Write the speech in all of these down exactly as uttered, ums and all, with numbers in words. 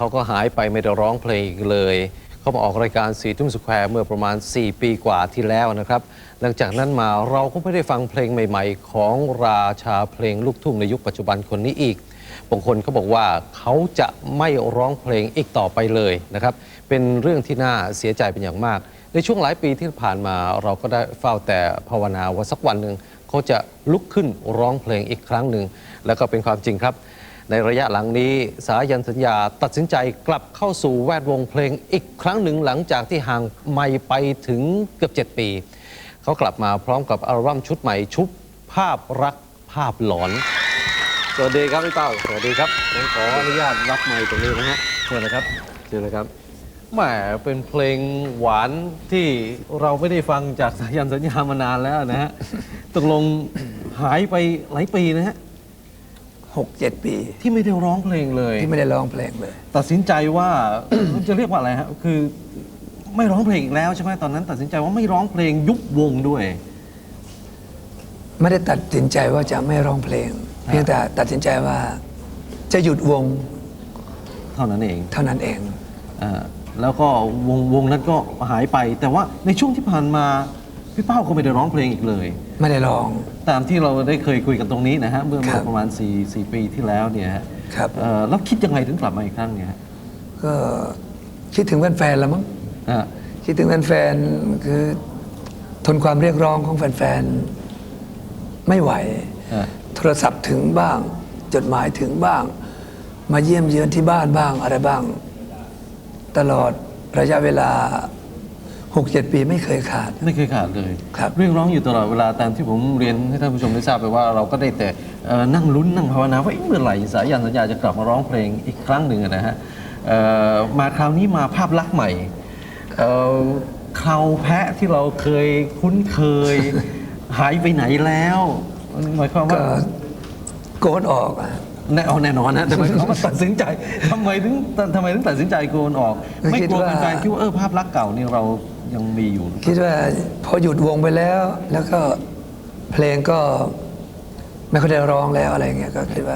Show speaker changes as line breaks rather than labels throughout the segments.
เขาก็หายไปไม่ได้ร้องเพลงอีกเลยเขามาออกรายการสี่ทุ่มสแควร์เมื่อประมาณสี่ปีกว่าที่แล้วนะครับหลังจากนั้นมาเราก็ไม่ได้ฟังเพลงใหม่ๆของราชาเพลงลูกทุ่งในยุคปัจจุบันคนนี้อีกบางคนเขาบอกว่าเขาจะไม่ร้องเพลงอีกต่อไปเลยนะครับเป็นเรื่องที่น่าเสียใจเป็นอย่างมากในช่วงหลายปีที่ผ่านมาเราก็ได้เฝ้าแต่ภาวนาว่าสักวันหนึ่งเขาจะลุกขึ้นร้องเพลงอีกครั้งหนึ่งแล้วก็เป็นความจริงครับในระยะหลังนี้สายันสัญญาตัดสินใจกลับเข้าสู่แวดวงเพลงอีกครั้งหนึ่งหลังจากที่ห่างไมค์ไปถึงเกือบเจ็ดปีเขากลับมาพร้อมกับอัลบั้มชุดใหม่ชุบภาพรักภาพหลอนสวัสดีครับพี่เป้าสวัสดีครับผมขออนุญาตรับไมค์ตรงนี้นะฮะเชิญนะครับเชิญเลยครับแหมเป็นเพลงหวานที่เราไม่ได้ฟังจากสายันสัญญามานานแล้วนะฮะตกลงหายไปหลายปีนะฮะ
หกเจ็ดปี
ที่ไม่ได้ร้องเพลงเลย
ที่ไม่ได้ร้องเพลงเลย
ตัดสินใจว่า จะเรียกว่าอะไรฮะคือไม่ร้องเพลงอีกแล้วใช่ไหมตอนนั้นตัดสินใจว่าไม่ร้องเพลงยุบวงด้วย
ไม่ได้ตัดสินใจว่าจะไม่ร้องเพลงเพียงแต่ตัดสินใจว่าจะหยุดวง
เท่านั้นเอง
เท่านั้นเอง
อ่าแล้วก็วงวงนั้นก็หายไปแต่ว่าในช่วงที่ผ่านมาพี่เป้าก็ไม่ได้ร้องเพลงอีกเลย
ไม่ได้ร้อง
ตามที่เราได้เคยคุยกันตรงนี้นะฮะเมื่อประมาณสี่ สี่ปีที่แล้วเนี่ย
ครับ
แล้วคิดยังไงถึงกลับมาอีกครั้งเนี่ย
ก็คิดถึงแฟนๆแล้วมั้งคิดถึงแฟนๆคือทนความเรียกร้องของแฟนๆไม่ไหวโทรศัพท์ถึงบ้างจดหมายถึงบ้างมาเยี่ยมเยือนที่บ้านบ้างอะไรบ้างตลอดระยะเวลาหกเจ็ดปีไม่เคยขาด
ไม่เคยขาดเลย
ครับ
เรียกร้องอยู่ตลอดเวลาตามที่ผมเรียนให้ท่านผู้ชมได้ทราบไปว่าเราก็ได้แต่นั่งลุ้นนั่งภาวนาว่าเมื่อไหร่สายันสัญญาจะกลับมาร้องเพลงอีกครั้งหนึ่งนะฮะมาคราวนี้มาภาพลักษณ์ใหม่คราวแพะที่เราเคยคุ้นเคยหายไปไหนแล้วหมายความว่า
โกนออก
แน่เอาแน่นอนนะแต่หมายความว่าตัดสินใจทำไมถึงทำไมถึงตัดสินใจโกนออกไม่กลัวแฟนๆคิดว่าเออภาพลักษณ์เก่านี่เรายังมีอยู่
คิดว่าพอหยุดวงไปแล้วแล้วก็เพลงก็ไม่ค่อยได้ร้องแล้วอะไรเงี้ยก็คิดว่า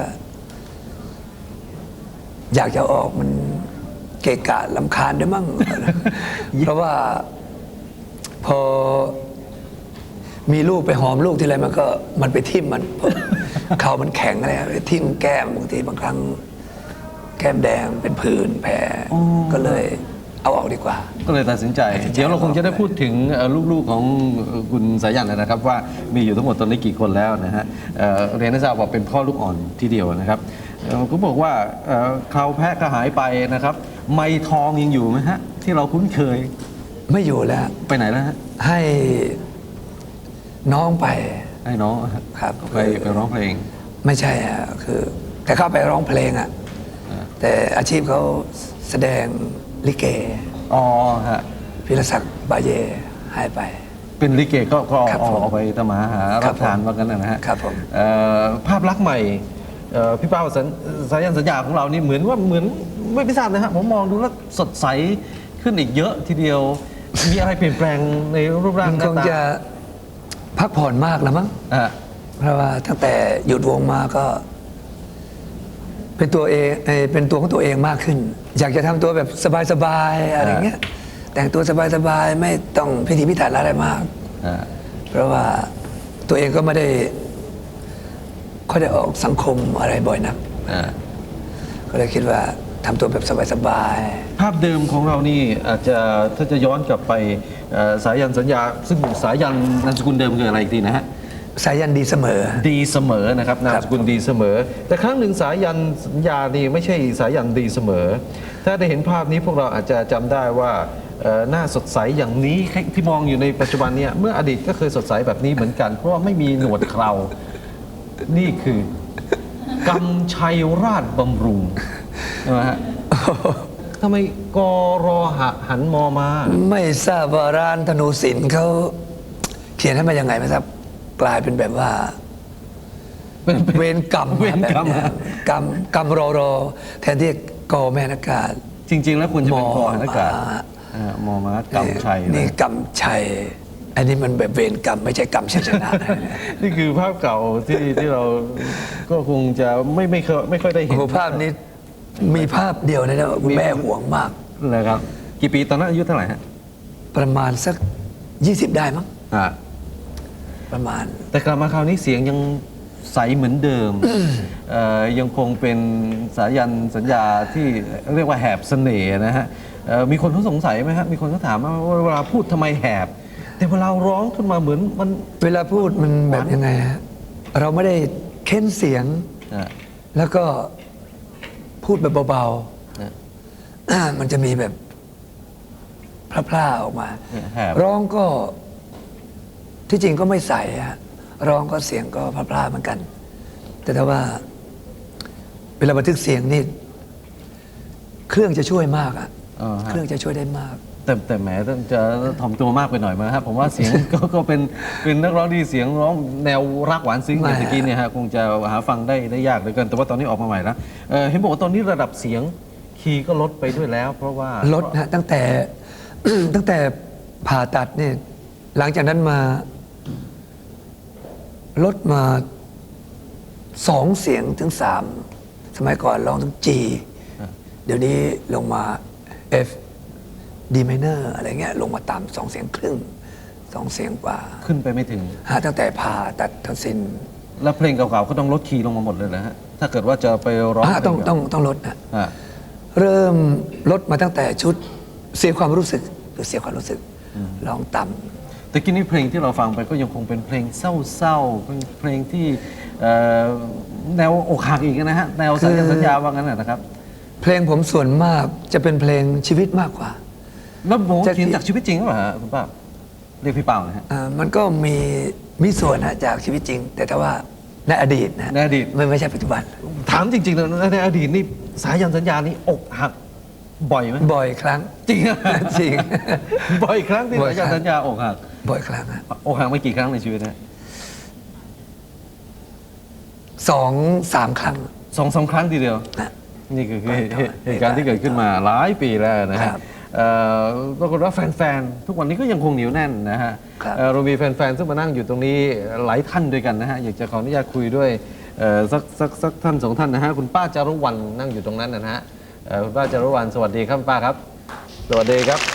อยากจะออกมันเกะกะรำคาญด้วยมั้งเพราะว่าพอมีลูกไปหอมลูกทีไรมันก็มันไปทิ่มมันเขามันแข็งอะไรไปทิ่มแก้มบางทีบางครั้งแก้มแดงเป็นผื่นแผลก็เลยเอาออกดีกว่า
ก็เลยตัดสินใจเดี๋ยวเราคงจะได้พูดถึงลูกๆของคุณสายันนะครับว่ามีอยู่ทั้งหมดตอนนี้กี่คนแล้วนะฮะเรียนให้ทราบว่าเป็นพ่อลูกอ่อนทีเดียวนะครับก็บอกว่าคราวแพะก็หายไปนะครับไม้ทองยังอยู่ไหมฮะที่เราคุ้นเคย
ไม่อยู่แล้ว
ไปไหนแล้วฮะ
ให้น้องไป
ให้น้อง
ครับ
ไปไปร้องเพลง
ไม่ใช่อ่ะคือแต่เข้าไปร้องเพลงอ่ะแต่อาชีพเขาแสดงลิเก
อ๋อฮะ
พิรศักดิ์บาเยหายไป
เป็นลิเกก็ก็ออกไปตามหารับทานว่ากันนะฮะ
ครับผม
ภาพลักษณ์ใหม่พี่เป้าสายันสัญญาของเรานี่เหมือนว่าเหมือนไม่พิจารณานะฮะผมมองดูแล้วสดใสขึ้นอีกเยอะทีเดียวมีอะไรเปลี่ยนแปลงในรูปร่างหน้าตา
พักผ่อนมากแล้วมั้งเพราะว่าตั้งแต่หยุดวงมาก็เป็นตัวเองเป็นตัวของตัวเองมากขึ้นอยากจะทำตัวแบบสบายๆอะไรเงี้ยแต่งตัวสบายๆไม่ต้องพิถีพิถันอะไรมากเพราะว่าตัวเองก็ไม่ได้ค่อยได้ออกสังคมอะไรบ่อยนักก็เลยคิดว่าทำตัวแบบสบาย
ๆภาพเดิมของเรานี่อาจจะถ้าจะย้อนกลับไปสายันสัญญาซึ่งสายันนามสกุลเดิมคืออะไรอีกทีนะฮะ
สายันดีเสมอ
ดีเสมอนะครับนามสกุลดีเสมอแต่ครั้งหนึ่งสายันสัญญานี่ไม่ใช่สายันดีเสมอถ้าได้เห็นภาพนี้พวกเราอาจจะจำได้ว่าหน้าสดใสอย่างนี้ที่มองอยู่ในปัจจุบันเนี่ยเมื่ออดีตก็เคยสดใสแบบนี้เหมือนกันเพราะว่าไม่มีหนวดเครานี่คือกำชัยราชบำรุงนะฮะทำไมกรอหันมอมา
ไม่ทราบว่าร้านธนูศิลป์เขาเขียนให้มายังไงไหมครับกลายเป็นแบบว่าเวรกรรม
เวรกรรม
กรรมกรรมรอรอแทนที่กอแม่นักการ
จริงๆแล้วควรจะเป็นกอนักการมอมากำชัย
นี่กำชัยอันนี้มันแบบเวรกรรมไม่ใช่กรรมชัยชนะ
นี่คือภาพเก่าที่ที่เราก็คงจะไม่ไม่เคยไม่ค่อยได้เห็น
ภาพนี้มีภาพเดียวนะนะคุณแม่ห่วงมาก
เลยครับกี่ปีตอนนั้นอายุเท่าไหร่ฮะ
ประมาณสักยี่สิบได้มั้ง
อ่า
ประมาณ
แต่กลับมาคราวนี้เสียงยังใสเหมือนเดิมเอ่อยังคงเป็นสายันสัญญาที่เรียกว่าแหบเสน่ห์นะฮะเอ่อมีคนเขาสงสัยไหมฮะมีคนเขาถามว่าเวลาพูดทำไมแหบ แต่เวลาร้องขึ้นมาเหมือนมัน
เวลาพูดมันแบบยังไงฮะเราไม่ได้เค้นเสียง
อ่า
แล้วก็พูดแบบเบา
นะ
ๆ มันจะมีแบบพร่าๆออกมา
แหบ
ร้องก็ที่จริงก็ไม่ใส่ฮะร้องก็เสียงก็พร่าๆเหมือนกัน แต่ถ้าว่า เวลาบันทึกเสียงนี่เครื่องจะช่วยมากอะ
อ่าฮะ
เครื่องจะช่วยได้มาก
แต่แต่แหมต้องจะถ่อมตัวมากไปหน่อยไหมครับผมว่าเสียง ก็ก็เป็นเป็นนักร้องที่เสียงร้องแนวรักหวานซึ้ง
ไม่
อย่างเมื่อกี้เนี่ยฮะคงจะหาฟังได้ได้ยากเหลือเกินแต่ว่าตอนนี้ออกมาใหม่แล้วเอ่อเห็นบอกว่าตอนนี้ระดับเสียงคีย์ก็ลดไปด้วยแล้ว เพราะว่า
ลดนะตั้งแต่ ตั้งแต่ผ่าตัดเนี่ยหลังจากนั้นมา ลดมาสองเสียงถึงสามสมัยก่อนร้องถึง G เดี๋ยวนี้ลงมา F D minor อะไรเงี้ยลงมาต่ำสองเสียงครึ่งสองเสียงกว่า
ขึ้นไปไม่ถึง
หาตั้งแต่ผ่าตัดทศิน
แล้วเพลงเก่าๆก็ต้องลดคีย์ลงมาหมดเลยนะฮะถ้าเกิดว่าจะไปร้อง
อ่าต้อง
เพล
ต้องต้องลดนะ
อ่า
เริ่มลดมาตั้งแต่ชุดเสียความรู้สึกหรือเสียความรู้สึกร้องต่ำ
แต่กี้นี้เพลงที่เราฟังไปก็ยังคงเป็นเพลงเศร้าๆเป็นเพลงที่เอ่อแนวอกหักอีกนะฮะแนวสัญญาสัญญาว่างั้นนะนะครับ
เพลงผมส่วนมากจะเป็นเพลงชีวิตมากกว่า
แล้วโบ
จะ
เขียนจากชีวิตจริงหรือเปล่าฮะคุณป้าเรียกพี่เปานะฮะ
อ่ามันก็มีมีส่วนนะจากชีวิตจริง แต่ถ้าว่าในอดีตนะ
ในอดีต
ไม่ไม่ใช่ปัจจุบัน
ถามจริงๆเลยในอดีตนี่สายันสัญญานี่อกหักบ่อยไหม
บ่อยครั้ง
จริงอะ
จริง
บ่อยครั้งที่
บ่อย
สา
ครั้
ยัน
ง
สัญญาอกหัก
บ่อยครั้งอะ
อกหักไม่กี่ครั้งในชีวิตนะ
สองสามครั้ง
สองสามครั้งทีเดียว
นะ
นี่คือคือ
ครับ
เหตุการณ์ที่เกิดขึ้นมาหลายปีแล้วนะ
ค
ฮะ
รับ
เอ่อปรากฏว่าแฟนๆ ทุกวันนี้ก็ยังคงเหนียวแน่นนะฮะ
ครับ
เอ่อเรามีแฟนๆ ซึ่งมานั่งอยู่ตรงนี้หลายท่านด้วยกันนะฮะ อยากจะขออนุญาตคุยด้วยเอ่อสักสักสักท่านสองท่านนะฮะ คุณป้าจารุวรรณนั่งอยู่ตรงนั้นนะฮะเอ่อคุณป้าจารุวรรณสวัสดีครับคุณป้าครับ สวัสดีครับ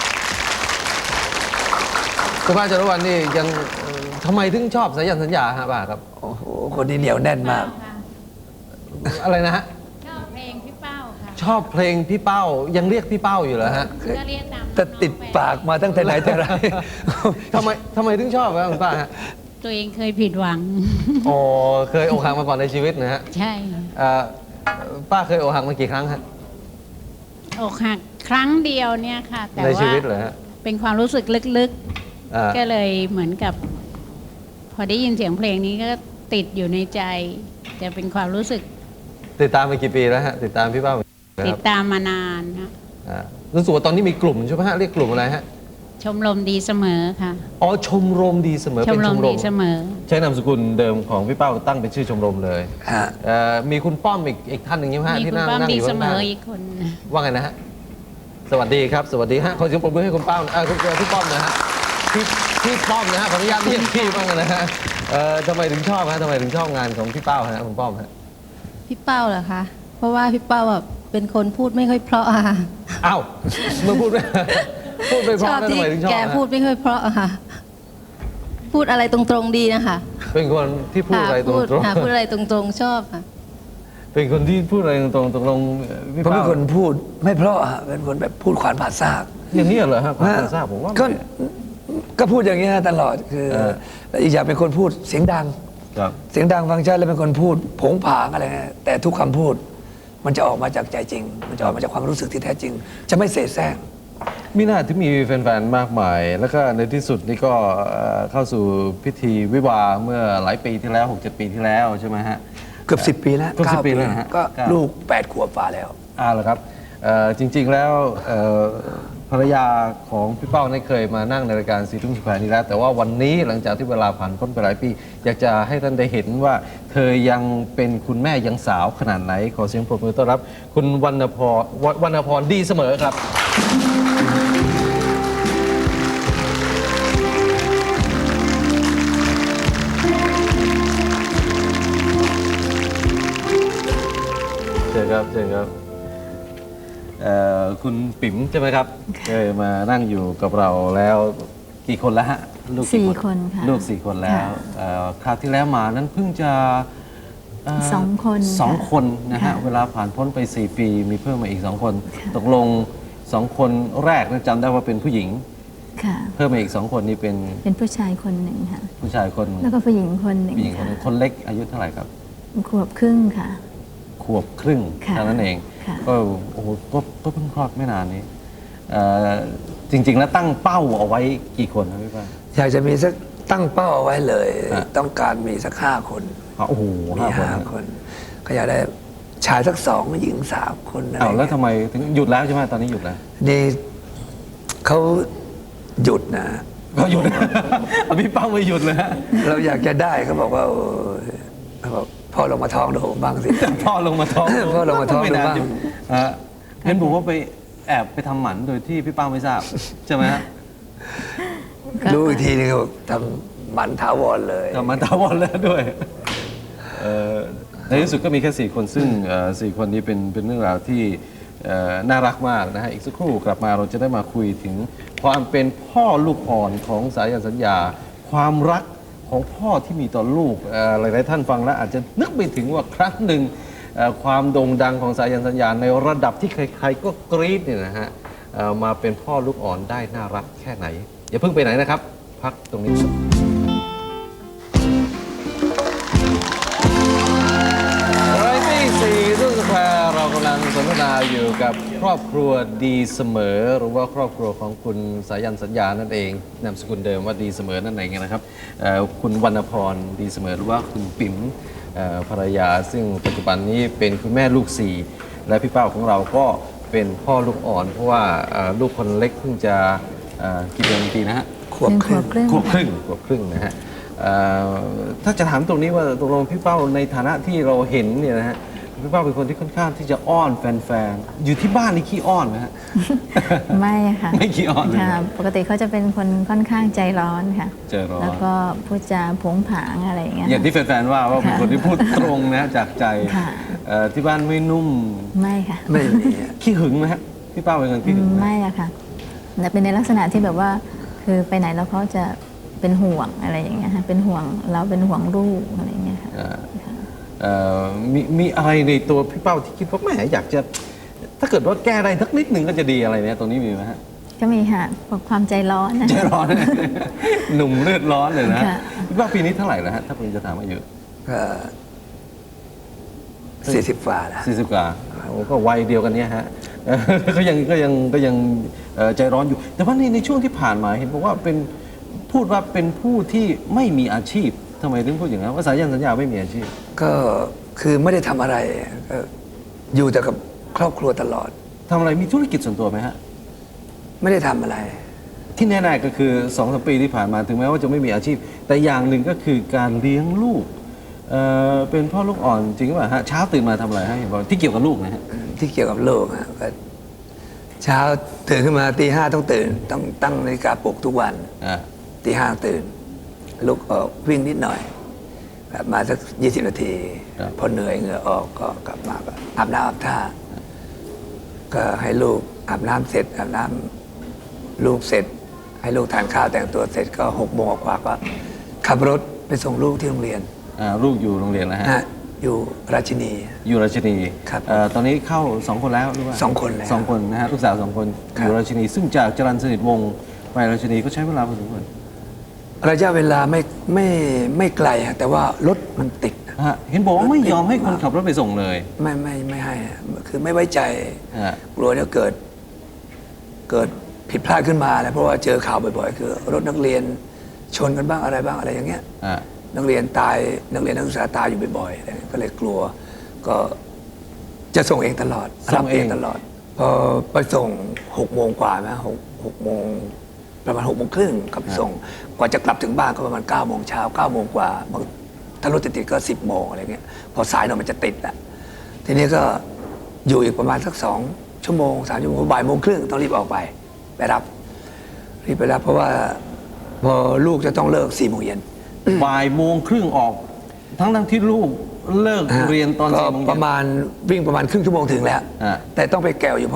คุณป้าจารุวรรณนี่ยังเอ่อทำไมถึงชอบสายันสัญญาฮะป้าครับ
โอ้โหคนนี้เหนียวแน่นมาก
อะไรนะฮะ
ชอบเพลงพี่เป้าค่ะ
ชอบเพลงพี่เป้ายังเรียกพี่เป้าอยู่เหรอฮะ
ก็เรียกตาม
แต่ติดปากมาตั้งแต่ไหนแต่ไร
ทำไมทำไมถึงชอบครับคุณป้าฮะ
ตัวเองเคยผิดหวัง
อ๋อเคยอกหักมาก่อนในชีวิตนะฮะ
ใช่
เอ่อป้าเคยอกหักมากี่ครั้งฮะ
อกหักครั้งเดียวเนี่ยค่ะ แต่
ในชี
ว่า
วิตเหรอฮะ
เป็นความรู้สึกลึก
อ่า
ๆ ก็เลยเหมือนกับ พอได้ยินเสียงเพลงนี้ก็ติดอยู่ในใจ จะเป็นความรู้สึก
ติดตามมากี่ปีแล้วฮะติดตามพี่เป้ามากี่ปี
ติ
ค
ด
รับ
ตามมานานนะ
อ่ารู้สึกว่าตอนนี้มีกลุ่มใช่ไหมฮะเรียกกลุ่มอะไรฮะ
ชมรมดีเสมอค่ะ
อ๋อชมรมดีเสมอ
ช
เป็
ม
น
ร
ช
ม
มร
ดี
ม
เสมอ
ใช้นามสกุลเดิมของพี่เป้าตั้งเป็นชื่อชมรมเลย
ฮะ
เอ่อมีคุณป้อมอีกอีกท่านหนึ่งใช่ไหมฮะ
มี
ที่
คุณ
นั่ง
ป้อม
นั่ง
ดี
อยู่
เส
ข้าง
ม
หน้า
ออีกคน
ว่าไงนะฮะสวัสดีครับสวัสดีฮะขอเสียงปรบมือให้คุณเป้าเออคุณพี่ป้อมนะฮะพี่พี่ป้อมนะฮะขออนุญาตเรียกพี่บ้างนะฮะเอ่อทำไมถึงชอบฮะทำไมถึงชอบงานของพี่เป้าฮะคุณป้อมฮะ
พี่เป้าเหรอคะ เพราะว่าพี่เป้าแบบเป็นคนพูดไม่ค่อยเพราะอะค่ะ
อ้าวเมื่อพูดไม่ พูดไม่เพ
ช
ราะ
อบ
แล้ว
ที่
ทำไมถึงชอบ
แก
ฮะ
พูดไม่ค่อยเพราะอะค่ะ พูดอะไรตรงๆดีนะคะ
เป็นคนที่พูดอะไรตร
พูด
ง
ค่ะพูดอะไรตรงๆชอบค่ะ
ๆเป็นคนที่พูดอะไรตรงๆตกลงเอ่อพี่
ผมเป็
เป้าน
คนพูดไม่เพราะฮะเป็นคนแบบพูดขวานผ่าซาก
อย่างนี้เหรอฮะความทราบผมว่า
ก็
ไม่
ก็พูดอย่างนี้ยตลอดคือ
เออ
แล้วอีกอย่างเป็นคนพูดเสียงดัง
ครับ
เสียงดังฟังชัดแล้วเป็นคนพูดผงผางอะไรเงี้ยแต่ทุกคำพูด มันจะออกมาจากใจจริง มันจะออกมาจากความรู้สึกที่แท้จริง จะไม่เสแสร้ง
มีหน้าที่มีแฟนๆ มากมาย แล้วก็ในที่สุดนี่ก็เอ่อเข้าสู่พิธีวิวาห์เมื่อหลายปีที่แล้ว หกเจ็ด ปีที่แล้วใช่ไหมฮะ
เกือบสิบปีแล้ว
เกือบสิบ
ก้า
ปีแล้วนะฮะ
ก็
เก้า
ลูกแปดขวบฝ่าแล้ว
อ่าเหรอครับเอ่อจริง ๆ แล้วเอ่อภรรยาของพี่เป้าเนี่ยเคยมานั่งในรายการสีทุ่งสุพรรณนี้แล้ว แต่ว่าวันนี้หลังจากที่เวลาผ่านพ้นไปหลายปี อยากจะให้ท่านได้เห็นว่า เธอยังเป็นคุณแม่ยังสาวขนาดไหน ขอเสียงปรบมือต้อนรับ คุณวรรณพรววรรณพรดีเสมอครับ เชิญครับเชิญครับเอ่อคุณปิ๋มใช่ไหมครับเคยมานั่งอยู่กับเราแล้วกี่คนแล้วฮะลูกกี่
สี่คนค่ะ
ลูกสี่คนแล้ว
ค่ะ
เอ่อคราวที่แล้วมานั้นเพิ่งจะเ
สองคน
สอง
ค่ะ
คนนะฮะ
ค่ะ
เวลาผ่านพ้นไปสี่ปีมีเพิ่มมาอีกสองคน
ค่ะ
ตกลงสองคนแรกนั้นจำได้ว่าเป็นผู้หญิง
ค่ะ
เพิ่มมาอีกสองคนนี่เป็น
เป็นผู้ชายคนหนึ่งค่ะ
ผู้ชายคน
แล้วก็ผู้หญิงคนหนึ่ง
ผู้หญิงคน
ค่ะ
หนึ่งคนเล็กอายุเท่าไหร่ครับ
ขวบครึ่งค่ะ
ขวบครึ่ง
ค่ะ
เท่านั้นเอง
ค่ะ
ก็โอ้โหก็ก็เพิ่งคลอดไม่นานนี้เอ่อจริง ๆ แล้วตั้งเป้าเอาไว้กี่คนครับพี่ป้า
อยากจะมีสักตั้งเป้าเอาไว้เลย
ฮะ
ต้องการมีสักห้าคน
อ๋อโอ้โห
มี
ห้าคน
ห้าคน ก็อยากได้ชายสักสองหญิงสามคนอะไร
อ้าวแล้ว
เงี้ย
ทำไมถึงหยุดแล้วใช่ไหมตอนนี้หยุดแล้ว
นี่เขาหยุดนะ
ก็หยุด พี่เป้าไม่หยุดเลยฮะ
เราอยากจะได้เขาบอกว่าโอ้ยเขาบอกพ่อลงมาท้องดูผมบ้างสิ
พ่อลงมาท้อง
พ่อลงมาท้อง
ไม่นาน
ดูบ้าง
อยู่ฮะเห็นบอกว่าไปแอบไปทำหมันโดยที่พี่เป้าไม่ทราบใช่ไหมฮะ
รู้อีกทีนึงเขาบอกทำหมันถาวรเลย
ทำหมันถาวรแล้วด้วยเอ่อในที่สุดก็มีแค่สี่คนซึ่งเอ่อสี่คนนี้เป็นเป็นเรื่องราวที่เอ่อน่ารักมากนะฮะอีกสักครู่กลับมาเราจะได้มาคุยถึงความเป็นพ่อลูกอ่อนของสายันสัญญา ความรักของพ่อที่มีต่อลูกเอ่อหลายๆท่านฟังแล้วอาจจะนึกไปถึงว่าครั้งหนึ่งเอ่อความโด่งดังของสายันสัญญาในระดับที่ใครๆก็กรี๊ดเนี่ยนะฮะเอ่อมาเป็นพ่อลูกอ่อนได้น่ารักแค่ไหนอย่าเพิ่งไปไหนนะครับ พักตรงนี้ รายที่สี่รุ่นสแควร์เรากำลังสนทนาอยู่กับครอบครัวดีเสมอ หรือว่าครอบครัวของคุณสายันสัญญานั่นเองนามสกุลเดิมว่าดีเสมอนั่นเองนะครับเอ่อคุณวรรณพรดีเสมอหรือว่าคุณปิ๋มเอ่อภรรยา ซึ่งปัจจุบันนี้เป็นคุณแม่ลูกสี่และพี่เป้าของเราก็เป็นพ่อลูกอ่อน เพราะว่าเอ่อลูกคนเล็กเพิ่งจะเอ่อกี่เดือนปีนะฮะ
ขวบ
เป็น
ค
ข
รึ่
ว
ง
บครึ่ง
ขวบครึ่งขวบครึ่งนะฮะเอ่อถ้าจะถามตรงนี้ว่าตกลงพี่เป้าในฐานะที่เราเห็นเนี่ยนะฮะพี่เป้าเป็นคนที่ค่อนข้างที่จะอ้อนแฟนๆอยู่ที่บ้านนี่ขี้อ้อนไหมฮะ
ไม่ค่ะ
ไม่ขี้อ้อนเลย
ค่ะ ปกติเขาจะเป็นคนค่อนข้างใจร้อนค่ะ
ใจร้อน
แล้วก็พูดจาผงผางอะไรอย่างเงี้ย
อย่างที่แฟนๆว่าว่าเป็นคนที่พูดตรงนะจากใจ
ค่ะ
เอ่อที่บ้านไม่นุ่ม
ไม่ค่ะ
ไม่มีอะ
ขี้หึงไหมฮะพี่เป้าเป็นคนขี้หึงไหม
ไม่อะค่ะแต่เป็นในลักษณะที่แบบว่า คือไปไหนแล้วเขาจะเป็นห่วงอะไรอย่างเงี้ยค่ะเป็นห่วงเราเป็นห่วงลูกอะไรอย่างเงี้ยค่ะ
เอ่อเอ่อมีมีอะไรในตัวพี่เป้าที่คิดว่าแหมอยากจะ ถ้าเกิดว่าแก้ได้สักนิดหนึ่งก็จะดีอะไรเนี่ยตรงนี้มีไหมฮะ
ก็มีค่ะความใจร้อนนะ
ใจร้อน หนุ่มเลือดร้อนเลยนะ
ค่ะ
พี่เป้าปีนี้เท่าไหร่แล้วฮะถ้าผมจะถามอายุ
ก็สี่สิบฝ่าแล้ว
สี่สิบกว่าโอ้ก็วัยเดียวกันเนี้ยฮะ เอ่อก็ยังก็ยังก็ยังเอ่อใจร้อนอยู่ แต่ว่าในในช่วงที่ผ่านมาเห็นบอกว่าเป็นพูดว่าเป็นผู้ที่ไม่มีอาชีพทำไมถึงพูดอย่างนั้นว่าสายันสัญญาไม่มีอาชีพ
ก็คือไม่ได้ทำอะไรก็อยู่แต่กับครอบครัวตลอด
ทำอะไรมีธุรกิจส่วนตัวไหมฮะ
ไม่ได้ทำอะไร
ที่แน่ๆก็คือสองสามปีที่ผ่านมาถึงแม้ว่าจะไม่มีอาชีพ แต่อย่างหนึ่งก็คือการเลี้ยงลูกเอ่อเป็นพ่อลูกอ่อนจริงหรือเปล่าฮะเช้าตื่นมาทำอะไรฮะเห็นบอกที่เกี่ยวกับลูกนะฮะ
ที่เกี่ยวกับโลกอะก็เช้าตื่นขึ้นมาตีห้าต้องตื่น ต้องตั้งนาฬิกาปลุกทุกวัน
อ่า
ตีห้าตื่น ลุกออกวิ่งนิดหน่อยกลับมาสักยี่สิบนาที พอเหนื่อยเหงื่อออกก็กลับมาก็อาบน้ำอาบท่า ก็ให้ลูกอาบน้ำเสร็จอาบน้ำลูกเสร็จ ให้ลูกทานข้าวแต่งตัวเสร็จก็หกโมงกว่าก็ขับรถไปส่งลูกที่โรงเรียน
อ่าลูกอยู่โรงเรียนแล้วฮะ
นะอยู่ราชินี
อยู่ราชินี
ครับ
เอ่อตอนนี้เข้าสองคนแล้วหรือว่า
สองคนแล้ว
สองคนนะฮะลูกสาวสองคน
ค
อ
รับ
ยู่ราชินี ซึ่งจากจรัญสนิทวงศ์ไปราชินีก็ใช้เวลาพอสมควร
ระยะเวลาไม่ไม่ไม่ไกลฮะแต่ว่ารถมันติดนะ
ฮะเห็นบอกว่าไม่ยอมให้คนขับรถไปส่งเลย
ไม่ไม่ไม่ให้อะคือไม่ไว้ใจ
ฮะ
กลัวจะเกิด เกิดผิดพลาดขึ้นมานะเพราะว่าเจอข่าวบ่อยๆ คือ รถนักเรียนชนกันบ้างอะไรบ้างอะไรอย่างเงี้ย
ฮะ
นักเรียนตายนักเรียนนักศึกษาตายอยู่บ่อยๆอะไรเงี้ยก็เลยกลัว ก็จะส่งเองตลอดรับเองตลอดพอไปส่งหกโมงกว่านะหกหกโมงประมาณหกโมงครึ่งกลับไปส่งกว่าจะกลับถึงบ้านก็ประมาณเก้าโมงเช้าเก้าโมงกว่าบางถ้ารถติดๆก็สิบโมงอะไรเงี้ยพอสายหน่อยมันจะติดแหละทีนี้ก็อยู่อีกประมาณสักสองชั่วโมงสามชั่วโมงบ่ายโมงครึ่งต้องรีบออกไปไปรับรีบไปรับเพราะว่าพอลูกจะต้องเลิกสี่โมงเย็น
บ่ายโมงครึ่งออก ทั้งทั้งที่ลูกเลิกเรียนตอน
ก็
สี่โมง
ป
เย็น
ระมาณวิ่งประมาณครึ่งชั่วโมงถึงแล้ว
อ่า
แต่ต้องไปแกวอยู่เพราะว่า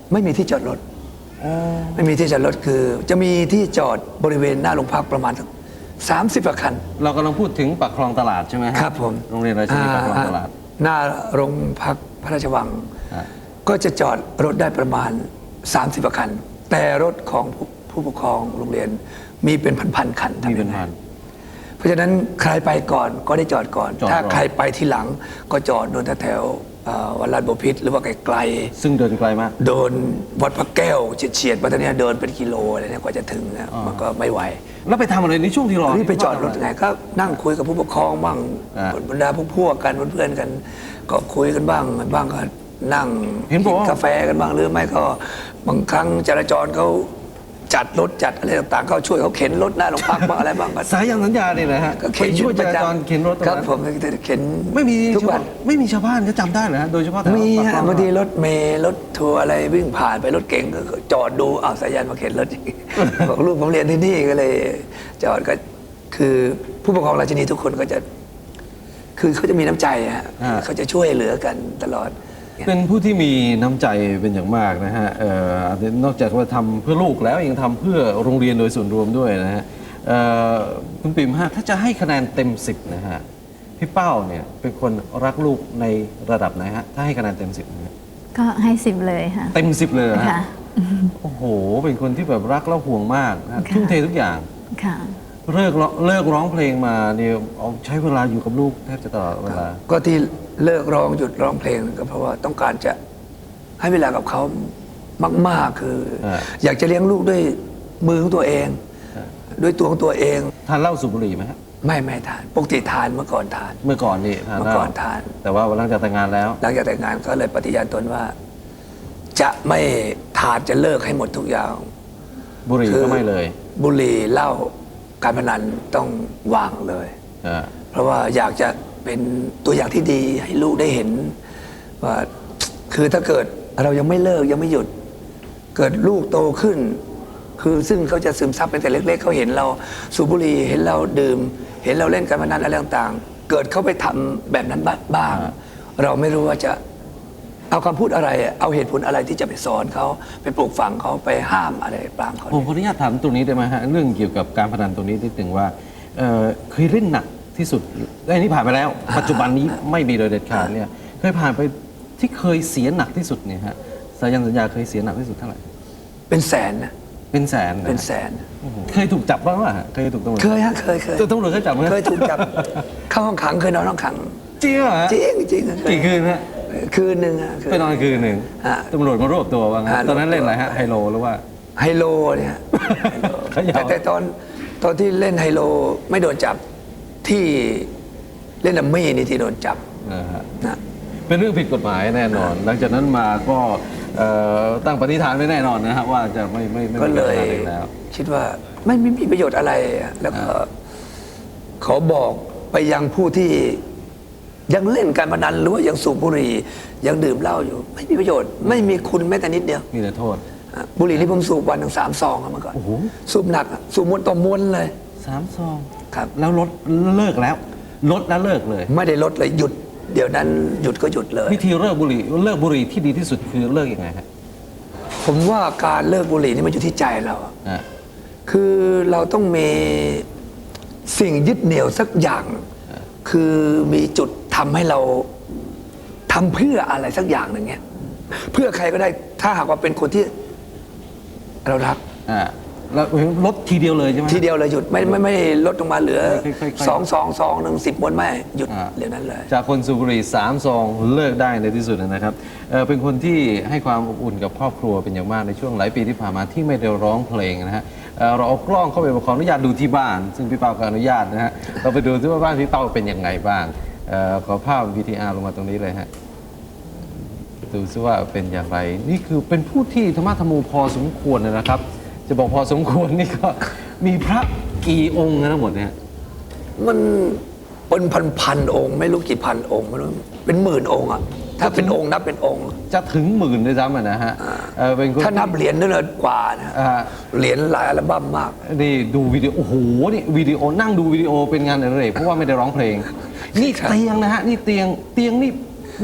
ไม่มีที่จอดรถไม่มีที่จอดรถคือ จะมีที่จอดบริเวณหน้าโรงพักประมาณสามสิบกว่าคัน
เรากำลังพูดถึงปากคลองตลาดใช่ไหมฮะ
ครับผม
โรงเรียนราชินีปากคลองตลาด
หน้าโรงพักพระราชวัง
อ่า
ก็จะจอดรถได้ประมาณสามสิบกว่าคัน แต่รถของผู้ผู้ปกครองโรงเรียนมีเป็นพันๆคัน
มีเป็นพัน
เพราะฉะนั้นใครไปก่อนก็ได้จอดก่อน
จอด
ถ้า
ก่อน
ใครไปทีหลังก็จอดโดนแถวๆเอ่อวัดลาดบพิตรหรือว่าไกล
ซึ่งเดินไกลมาก
ๆโดนวัดพระแก้วเฉียดๆมาตอนนี้ยเดินเป็นกิโลอะไรเนี่ยกว่าจะถึงนะ
อ่ามั
มันก็ไม่ไหว
แล้วไปทำอะไรในช่วงที่รอ
รีบไปจอดรถไงก็นั่งคุยกับผู้ปกครองบ้าง
อ่า
บรรดาพวกพวกกันเพื่อนๆกัน ก็คุยกันบ้างบ้างก็นั่ง
เห็นบอกว่า
กาแฟกันบ้างหรือไม่ก็บางครั้งจราจรเขาจัดรถจัดอะไรต่างๆก็ช่วยเขาเข็นรถหน้าโรงพักบ้างอะไรบ้างก็
สายันสัญญาเนี่ยนะฮะ
ก็
ไป
เข็น
ช่วยจ
ประ
รา
จำ
จรเข็นรถตรง
ครับ
นั้น
ผมเข็น
ไม่มี
ทุกวัน
ไม่มีชาวบ้านก็จำได้เหรอฮะโดยเฉพาะแถว
มี
ปาก
ฮะ
คลอง
บางทีรถเมล์รถทัวร์อะไรวิ่งผ่านไปรถเก๋งก็จอดดูอ้าวสายันมาเข็นรถ บอกลูกผมเรียนที่นี่ก็เลยจอดก็คือผู้ปกครองราชินีทุกคนก็จะ คือเขาจะมีน้ำใจฮะ
อ่า
เขาจะช่วยเหลือกันตลอด
เป็นผู้ที่มีน้ำใจเป็นอย่างมากนะฮะเอ่อนอกจากว่าทำเพื่อลูกแล้วยังทำเพื่อโรงเรียนโดยส่วนรวมด้วยนะฮะเอ่อคุณปิ่มฮะถ้าจะให้คะแนนเต็มสิบนะฮะพี่เป้าเนี่ยเป็นคนรักลูกในระดับไหนฮะถ้าให้คะแนนเต็มสิบ
ก็ให้สิบเลยค่ะ
เต็มสิบเลยเหรอฮะ
ค่ะ
โอ้โห เป็นคนที่แบบรักแล้วห่วงมากนะ
ค่ะ
ทุ่มเททุกอย่าง
ค่ะ
เลิกร้องเลิกร้องเพลงมาเนี่ยเอาใช้เวลาอยู่กับลูกแทบจะตลอดเวลา
ก็ที่เลิกร้องหยุดร้องเพลงก็เพราะว่าต้องการจะให้เวลากับเขามาก ๆ คือ
อ่า
อยากจะเลี้ยงลูกด้วยมือของตัวเอง ด้วยตัวของตัวเอง
ทานเหล้าสูบบุหรี่ไหมฮะ
ไม่ไม่ทานปกติทานเมื่อก่อนทาน
เมื่อก่อนนี่ทาน
เมื่
เห
อ
ล้า
ก่อนทาน
แต่ว่าหลังจากแต่งงานแล้ว
หลังจากแต่งงานก็เลยปฏิญาณตนว่า จะไม่ทานจะเลิกให้หมดทุกอย่าง
บุหรี่
คือ
ก็ไม่เลย
บุหรี่เหล้าการพนันต้องวางเลย
อ่า
เพราะว่าอยากจะเป็นตัวอย่างที่ดีให้ลูกได้เห็นว่าคือถ้าเกิดเรายังไม่เลิกยังไม่หยุด เกิดลูกโตขึ้น คือซึ่งเขาจะซึมซับเป็นแต่เล็ก ๆเขาเห็นเราสูบบุหรี่เห็นเราดื่ม เห็นเราเล่นการพนันอะไรต่างๆ เกิดเขาไปทำแบบนั้นบ้าง
อ่า
เราไม่รู้ว่าจะเอาคำพูดอะไร เอาเหตุผลอะไรที่จะไปสอนเขาไปปลูกฝังเขาไปห้ามอะไรปรามเขา
ผมขออนุญาตถามตรงนี้ได้ไหมฮะเรื่องเกี่ยวกับการพนันตรงนี้นิดหนึ่งว่าเอ่อเคยเล่นหนักที่สุดไอ้นี่ผ่านไปแล้ว ปัจจุบันนี้ไม่มีโดยเด็ดขาดเนี่ยเคยผ่านไปที่เคยเสียหนักที่สุดเนี่ยฮะสายันสัญญาเคยเสียหนักที่สุดเท่าไหร่
เป็นแสนนะ
เป็นแสนนะ
เป็นแสน
โอ้โหเคยถูกจับบ้างวะฮะเคยถูกตำรวจ
เคยฮะเคยเคย
ตำรวจเคยจับไหม
เคยถูกจับ เข้าห้องขังเคยนอนห้องขัง
จริงเหรอฮะ
จริงจริงเคย
กี่คืนฮะ
คืนหนึ่งฮะคื
ไปนอนคืนหนึ่ง
ฮะ
ตำรวจมารวบตัวว่างั้น
ฮะ
ตอนนั้นเล่นอะไรฮะไฮโลหรือว่า
ไฮโลเนี่ยไฮโล
เขย่า
แต่แต่ตอนตอนที่เล่นไฮโลไม่โดนจับที่เล่นดัมมี่นี่ที่โดนจับ
นะฮะ
นะ
เป็นเรื่องผิดกฎหมายแน่นอน หลังจากนั้นมาก็เอ่อตั้งปณิธานไว้แน่นอนนะครับว่าจะไม่ไม่ไม่
ก็
มี
เล
การ
ย
พนันอีกแล้ว
คิดว่าไม่ไม่มีประโยชน์อะไรอะแล้วก็ขอบอกไปยังผู้ที่ยังเล่นการพนันหรือว่ายังสูบบุหรี่ยังดื่มเหล้าอยู่ ไม่มีประโยชน์ ไม่มีคุณแม้แต่นิดเดียว
มีแต่โทษ
อ่ะบุหรี่ที่ผมสูบวันหนึ่งสามซองอะเมื่อก่อน
โอ้โห
สูบหนักอะสูบมวนต่อมวนเลย
สามซอง
ครับ
แล้วลดเลิกแล้ว ลดแล้วเลิกเลย
ไม่ได้ลดเลยหยุด เดี๋ยวนั้นหยุดก็หยุดเลย
วิธีเลิกบุหรี่เลิกบุหรี่ที่ดีที่สุดคือเลิกยังไงฮะ
ผมว่าการเลิกบุหรี่นี่มันอยู่ที่ใจเราอะ
อ่ะ
คือเราต้องมีสิ่งยึดเหนี่ยวสักอย่าง คือมีจุดทำให้เราทำเพื่ออะไรสักอย่างหนึ่งเงี้ยเพื่อใครก็ได้ถ้าหากว่าเป็นคนที่เรารัก
อ่ะแล้วลดทีเดียวเลยใช่ไหม
ทีเดียวเลยหยุดไม่ไม่ไม่ได้ลดลงมาเหลือ
ค่อยๆๆ
สองสองสองหนึ่งสิบมวนไม่หยุด
อ่า
เดี๋ยวนั้นเลย
จากคนสูบบุหรี่สามซองเลิกได้ในที่สุดนะครับเอ่อเป็นคนที่ให้ความอบอุ่นกับครอบครัวเป็นอย่างมากในช่วงหลายปีที่ผ่านมาที่ไม่ได้ร้องเพลงนะฮะเอ่อเราเอากล้องเข้าไปขออนุญาตดูที่บ้าน ซึ่งพี่เปาก็อนุญาตนะฮะเราไปดูที่ว่าบ้านพี่เปาเป็นยังไงบ้างเอ่อขอภาพ วี ที อาร์ ลงมาตรงนี้เลยฮะดูซิว่าเป็นอย่างไร นี่คือเป็นผู้ที่ธรรมะธรรมโมพอสมควรนะครับ จะบอกพอสมควรนี่ก็มีพระกี่องค์นะทั้งหมดเนี่ย
มันเป็นพันพันๆองค์ ไม่รู้กี่พันองค์ไม่รู้เป็นหมื่นองค์อะถ้าเป็นองค์นับเป็นองค์
จะถึงหมื่นด้วยซ้ำอะนะฮะเอ่อเป็นคน
ถ้านับเหรียญนั่นเลยกว่านะ
อ่า
เหรียญหลายอัลบั้มมาก
นี่ดูวิดีโอโอ้โหนี่วิดีโอนั่งดูวิดีโอเป็นงานอดิเรกเพราะว่าไม่ได้ร้องเพลง นี่
ครับ
เตียงนะฮะนี่เตียงเตียงนี่นี่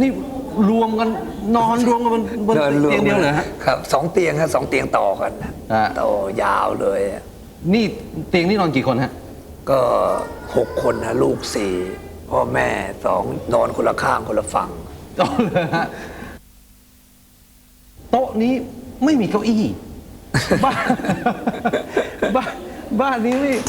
รวมกันนอนรวมกันบนบน
นอนรวม
เตียงเดียวเหรอฮะ
ครับสองเตียงครับสองเตียงต่อกัน
อ่า
ต่อยาวเลย
นี่เตียงนี่นอนกี่คนฮะ
ก็หกคนนะลูกสี่พ่อแม่สองนอนคนละข้างคนละฝั่ง
ก็เลยฮะโต๊ะนี้ไม่มีเก้าอี้ บ้านบ้านบ้านนี้ไม่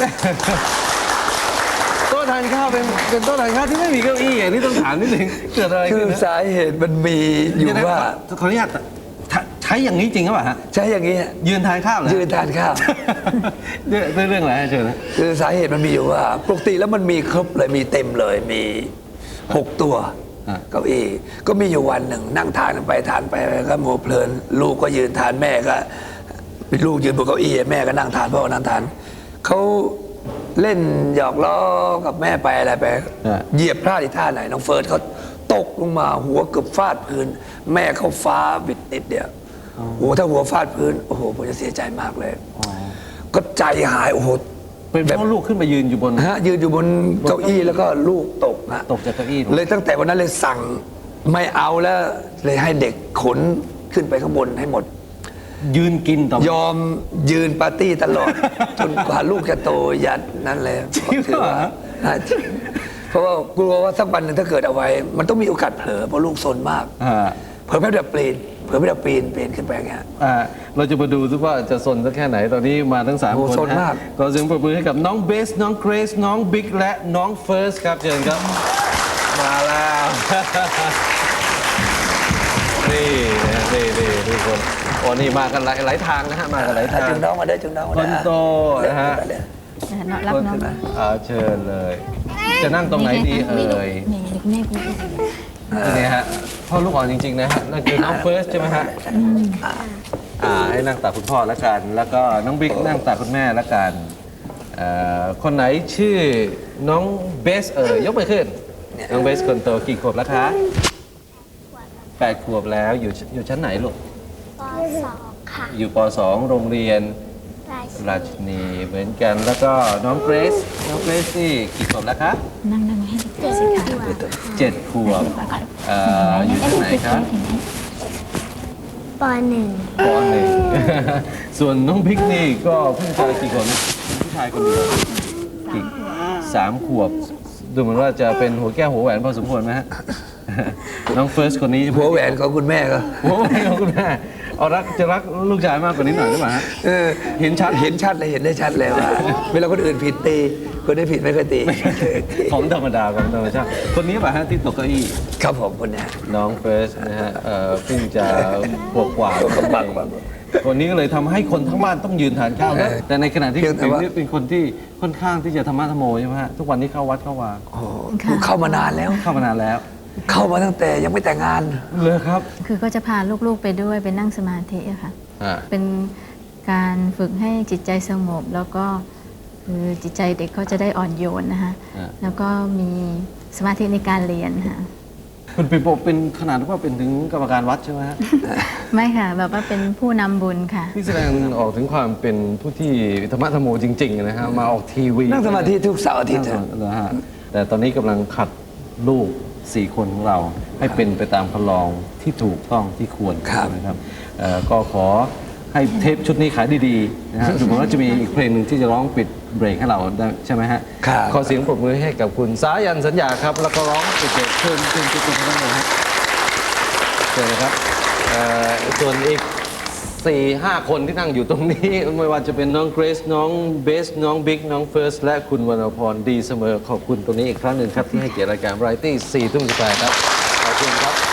โต๊ะทานข้าวเป็นเป็นโต๊ะทานข้าวที่ไม่มีเก้าอี้อ่ะนี่ต้องถามนิดนึงเกิดอะไร
คื
ขึ้
อน
นะ
สาเหตุมันมีอยู่
เดี๋นะ
ว่า
ขอขออนุญาตใช้ใช้อย่างนี้จริงหรือเปล่าฮะ
ใช้อย่างนี้
ยืนทานข้าวเหรอ
ยืนทานข้าว
ด้วยด้วยเรื่องอะไรฮะเชิญนะ
คือสาเหตุมันมีอยู่ว่าปกติแล้วมันมีครบเลยมีเต็มเลยมีหกตัว
อ่ะ
เก้าอี้ก็มีอยู่วันหนึ่งนั่งทานกันไปทานไปก็โมเพลิน ลูกก็ยืนทานแม่ก็ลูกยืนบนเก้าอี้แม่ก็นั่งทานพ่อก็นั่งทานเขาเล่นหยอกล้อกับแม่ไปอะไรไป
อ่ะ
เหยียบพลาดอีกท่าไหนน้องเฟิร์สเขาตกลงมาหัวเกือบฟาดพื้น แม่เขาฟ้าบิดนิดเดียวโอ้โหถ้าหัวฟาดพื้นโอ้โหผมจะเสียใจมากเลย ก็ใจหายโอ้โห
เป็นเพราะลูกขึ้นมายืนอยู่บน
ฮะยืนอยู่บนเก้าอี้แล้วก็ลูกตกฮะ
ตกจากเก้าอี้ลง
เลยตั้งแต่วันนั้นเลยสั่งไม่เอาแล้วเลยให้เด็กขนขึ้นไปข้างบนให้หมด
ยืนกินต่อ
ยอมยืนปาร์ตี้ตลอด จนกว่าลูกจะโตยัดนั่นเลย
จริงเหรอ
ถืว่าฮะจริงเพราะว่ากลัวว่าสักวันหนึ่งถ้าเกิดเอาไว้ มันต้องมีโอกาสเผลอเพราะลูกซนมาก
อ่า
เผลอแป๊บเดียวปีนเผลอแป๊บเดียวปีนปีนขึ้นไปอย่างเงี้ย
อ่าเราจะมาดูซิว่าจะสนสักแค่ไหนตอนนี้มาทั้งสาม
โอ้
คน
สน
นะ
มาก
ก็เสียงปรบมือให้กับน้องเบสน้องเกรซน้องบิ๊กและน้องเฟิร์สครับเชิญครับ มาแล้ว นี่นะนี่นี่ทุกคนโอ้นี่มากันหลายหลายทางนะฮะมากันหลายทาง
จึงน้องมาได้จึงน้องมา
ค
ได้
นโตนะฮะ
รับน้อง
อ่าเชิญเลย จะนั่งตรงไหนดีเอ่ย
แม่เด็กแม่กู
นี่ฮะพ่อลูกอ่อนจริง ๆ นะฮะนั่นคือน้องเฟิร์สใช่ไหมฮะอ่าให้นั่งตักคุณพ่อแล้วกัน แล้วก็น้องบิ๊กนั่งตักคุณแม่แล้วกันเอ่อคนไหนชื่อน้องเบสเอ่ยยกมือขึ้น น้องเบสคนโตกี่ขวบแล้วคะแปดขวบแล้วอยู่อยู่ชั้นไหนลูก
ปสองค่ะ
อยู่ป .สอง โรงเรียน
ราชิ
ราชินีเหมือนกัน แล้วก็น้องเกรซน้องเกรซนี่กี่ขวบแล้วคะ
นั่งนั่งให้เด็ก
เจ็ดขวบ
เจ็ดขวบเอ่ออยู่ชั้นไหนครับ
ปหนึ่ง
ปหนึ่ง ส่วนน้องพิกนี่ก็เพิ่งจะกี่ขวบนะผู้ชายคนเดียวกี่สามขวบ ดูเหมือนว่าจะเป็นหัวแก้วหัวแหวนพอสมควรไหมฮะ น้องเฟิร์สคนนี้
หัวแหวนของคุณแม่ก็
หัวแหวนของคุณแม่เอารักจะรักลูกชายมากกว่านี้หน่อยหรือเปล่าฮะ
เออ
เห็นชัด
เห็นชัดเลยเห็นได้ชัดเลยว่า เวลาคนอื่นผิดตีคนได้ผิดไม่เคยตี
ของธรรมดาของธรรมชาติคนนี้ป่ะฮะที่ตกเก้าอี้
ครับผมคนเนี้ย
น้องเฟิร์สนะฮะเอ่อเพิ่งจะบวกกว่า
บังบัง
คนนี้ก็เลยทำให้คนทั้งบ้านต้องยืนทานข้าวแล้ว
เออ
แต่ในขณะที่
เพี
คุ
ย
ณ
งแต่
ติ๋ม
ว่า
นี่เป็นคนที่ค่อนข้างที่จะธรรมะธรรมโมใช่ไหมฮะทุกวันนี้เข้าวัดเข้าวา
โอ้โหเข้ามานานแล้ว
เข้ามานานแล้ว
เข้ามาตั้งแต่ยังไม่แต่งงาน
เลยครับ
คือก็จะพาลูกๆไปด้วยไปนั่งสมาธิอะค่ะ
อ่า
เป็นการฝึกให้จิตใจสงบ แล้วก็คือจิตใจเด็กเขาจะได้อ่อนโยนนะคะ
อ่า
แล้วก็มีสมาธิในการเรียนค่ะ
คุณปิโปเป็นขนาดว่าเป็นถึงกรรมการวัดใช่ไหมฮะ
ไม่ค่ะ แบบว่าเป็นผู้นำบุญค่ะ
นี่แสดงออกถึงความเป็นผู้ที่ธรรมะธรรมโมจริงๆนะฮะมาออกทีวี
นั่งสมาธิทุกเสาร์อาทิตย์
นั่งสมาธินะฮะแต่ตอนนี้กำลังขัดลูกสี่คนของเราให้เป็นไปตามคันลองที่ถูกต้องที่ควร
ครับ
นะครับเอ่อก็ขอให้เทปชุดนี้ขายดีๆนะฮะสมมติว่าจะมีอีกเพลงหนึ่งที่จะร้องปิดเบรกให้เราได้ใช่ไหมฮะ
ครับ
ขอเสียงปรบมือให้กับคุณสายันสัญญาครับ แล้วก็ร้องปิดเบรกเชิญเชิญจุดๆทั้งหมดฮะเชิญเลยครับเอ่อส่วนอีกสี่ห้าคนที่นั่งอยู่ตรงนี้ ไม่ว่าจะเป็นน้องเกรซน้องเบสน้องบิ๊กน้องเฟิร์สและคุณวรรณพรดีเสมอขอบคุณตรงนี้อีกครั้งหนึ่งครับที่ให้เกียรติรายการ Variety สี่ทุ่มสิบแปดครับขอบคุณครับ